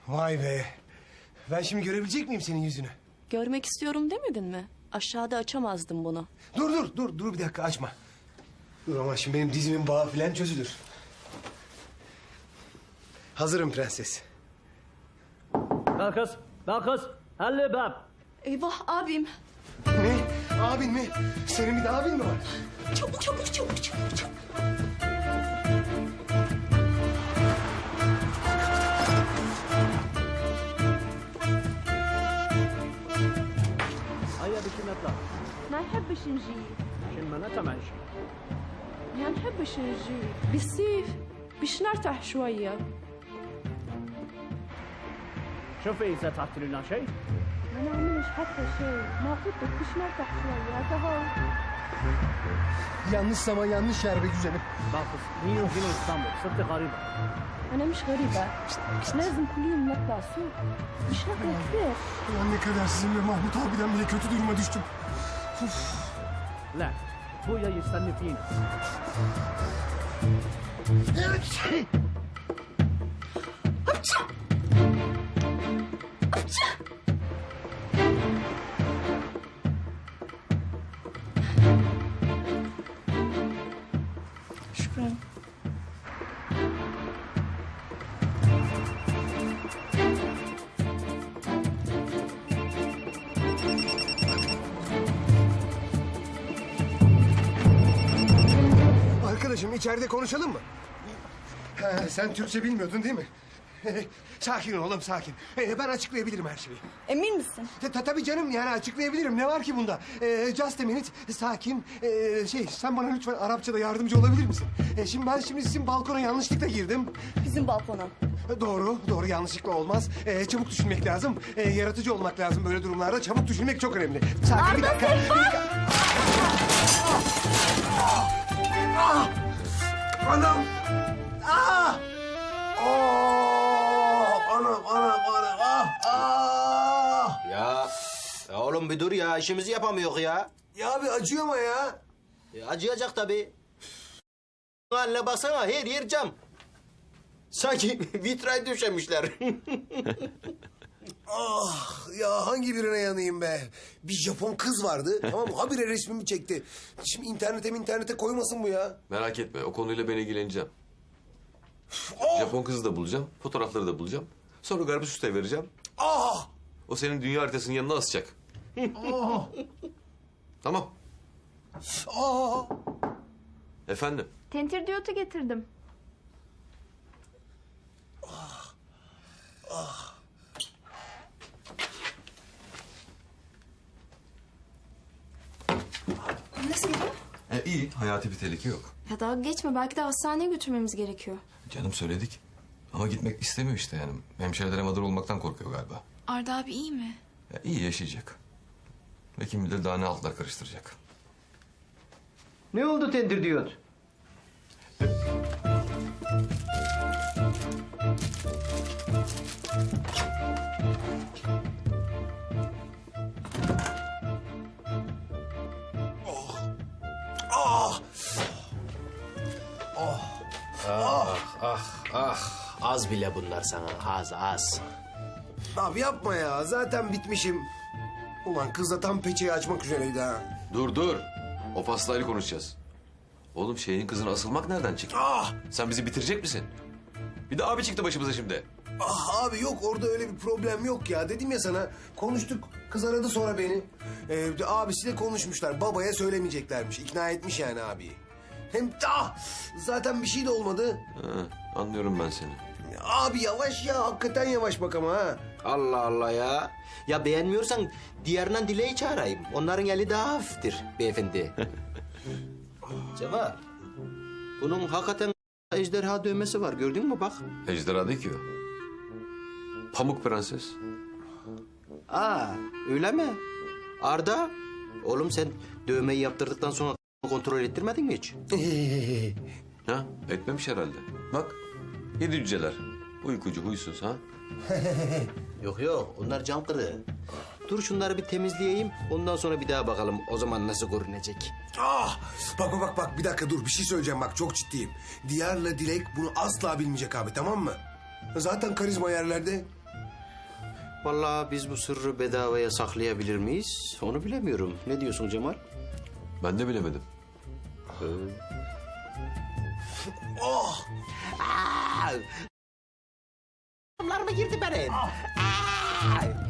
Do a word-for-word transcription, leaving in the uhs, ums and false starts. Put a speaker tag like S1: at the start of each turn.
S1: Vay be. Ben şimdi görebilecek miyim senin yüzünü?
S2: Görmek istiyorum demedin mi? Aşağıda açamazdım bunu.
S1: Dur dur dur dur bir dakika açma. Dur ama şimdi benim dizimin bağı filan çözülür. Hazırım prenses.
S3: Ben kız, ben kız. Halli bab.
S2: Eyvah abim.
S1: Ne? Abin mi? Senin bir de abin mi var?
S2: Çabuk çabuk çabuk çabuk çabuk.
S3: هيا بشي نطلع.
S4: ما نحبش نجي
S3: عشان ما نتمعش.
S4: ما نحبش نجي بالصيف باش نرتاح شوية.
S3: شوفي إذا تعبت لنا شيء.
S4: ما نعملش حتى شيء، ما قلت لك باش نرتاح شوية هذا هو.
S1: Yanlış zaman yanlış yer be güzelim.
S3: باخذ بيني وبين اسطنبول، صرت غريبة.
S4: أنا مش غريبة، لازم كل يوم نطلع سوق باش ناكل كثير.
S1: Ulan ne kadar sizinle Mahmut abiden bile kötü duruma düştüm.
S3: لا، بويا يستنى فينا.
S2: Şükran.
S1: Arkadaşım içeride konuşalım mı? Ha, sen Türkçe bilmiyordun değil mi? Sakin ol oğlum sakin. Ee, ben açıklayabilirim her şeyi.
S2: Emin misin?
S1: Ta, ta, tabii canım yani açıklayabilirim. Ne var ki bunda? Ee, just a minute. Sakin. Ee, şey sen bana lütfen Arapçada yardımcı olabilir misin? Ee, şimdi ben şimdi sizin balkona yanlışlıkla girdim.
S2: Bizim balkona.
S1: Ee, Doğru, doğru yanlışlıkla olmaz. Ee, çabuk düşünmek lazım. Ee, yaratıcı olmak lazım böyle durumlarda. Çabuk düşünmek çok önemli. Sakin bir dakika. Bir dakika. Ah! Ah! Anam! Ah! Oh! Anam, anam, anam. Ah! Ah!
S5: Ya, ya oğlum bir dur ya, işimizi yapamıyor ya.
S1: Ya abi acıyor ama ya.
S5: E, acıyacak tabii. Haline baksana, her yer cam. Sanki vitray döşemişler.
S1: Ah ya hangi birine yanayım be? Bir Japon kız vardı tamam mı? Habire resmimi çekti. Şimdi internete internete koymasın bu ya.
S6: Merak etme, o konuyla ben ilgileneceğim.
S1: Oh!
S6: Japon kızı da bulacağım, fotoğrafları da bulacağım. Sonra Garbus Usta'ya vereceğim.
S1: Ah!
S6: O senin dünya haritasının yanına asacak.
S1: Ah!
S6: Tamam.
S1: Ah!
S6: Efendim?
S4: Tentir diyotu getirdim.
S7: Nasıl gidiyor?
S6: E, iyi, hayati bir tehlike yok.
S7: Ya dalga geçme, belki de hastaneye götürmemiz gerekiyor.
S6: Canım söyledik. Ama gitmek istemiyor işte yani. Hemşirelere mağdur olmaktan korkuyor galiba.
S7: Arda abi iyi mi?
S6: Ya, iyi yaşayacak. Ve kim bilir daha ne altlar karıştıracak.
S5: Ne oldu tendir diyot?
S1: Ah!
S5: Ah, az bile bunlar sana, az az.
S1: Abi yapma ya zaten bitmişim. Ulan kız da tam peçeyi açmak üzereydi ha.
S6: Dur dur. O pastayla konuşacağız. Oğlum şeyin kızına asılmak nereden çıktı?
S1: Ah!
S6: Sen bizi bitirecek misin? Bir de abi çıktı başımıza şimdi.
S1: Ah abi yok orada öyle bir problem yok ya. Dedim ya sana konuştuk. Kız aradı sonra beni. Ee, abisiyle konuşmuşlar. Babaya söylemeyeceklermiş. İkna etmiş yani abiyi. Hem ah, zaten bir şey de olmadı.
S6: Ha, anlıyorum ben seni.
S1: Abi yavaş ya hakikaten yavaş bak ama ha.
S5: Allah Allah ya. Ya beğenmiyorsan diğerinden Dile'yi çağırayım. Onların eli daha hafiftir beyefendi. Ceva, bunun hakikaten ejderha dövmesi var. Gördün mü bak?
S6: Ejderha değil ki o. Pamuk Prenses.
S5: Aa, öyle mi? Arda, oğlum sen dövmeyi yaptırdıktan sonra kontrol ettirmedin mi hiç?
S6: Ha? Etmemiş herhalde. Bak. Yedi cüceler. Uykucu, huysuz ha?
S5: Yok yok, onlar cam kırığı. Dur şunları bir temizleyeyim, ondan sonra bir daha bakalım o zaman nasıl görünecek.
S1: Ah! Bak bak bak bak bir dakika dur bir şey söyleyeceğim bak çok ciddiyim. Diyar'la Dilek bunu asla bilmeyecek abi tamam mı? Zaten karizma yerlerde.
S5: Vallahi biz bu sırrı bedavaya saklayabilir miyiz? Onu bilemiyorum. Ne diyorsun Cemal?
S6: Ben de bilemedim.
S5: Bunlar mı girdi benim? Aa!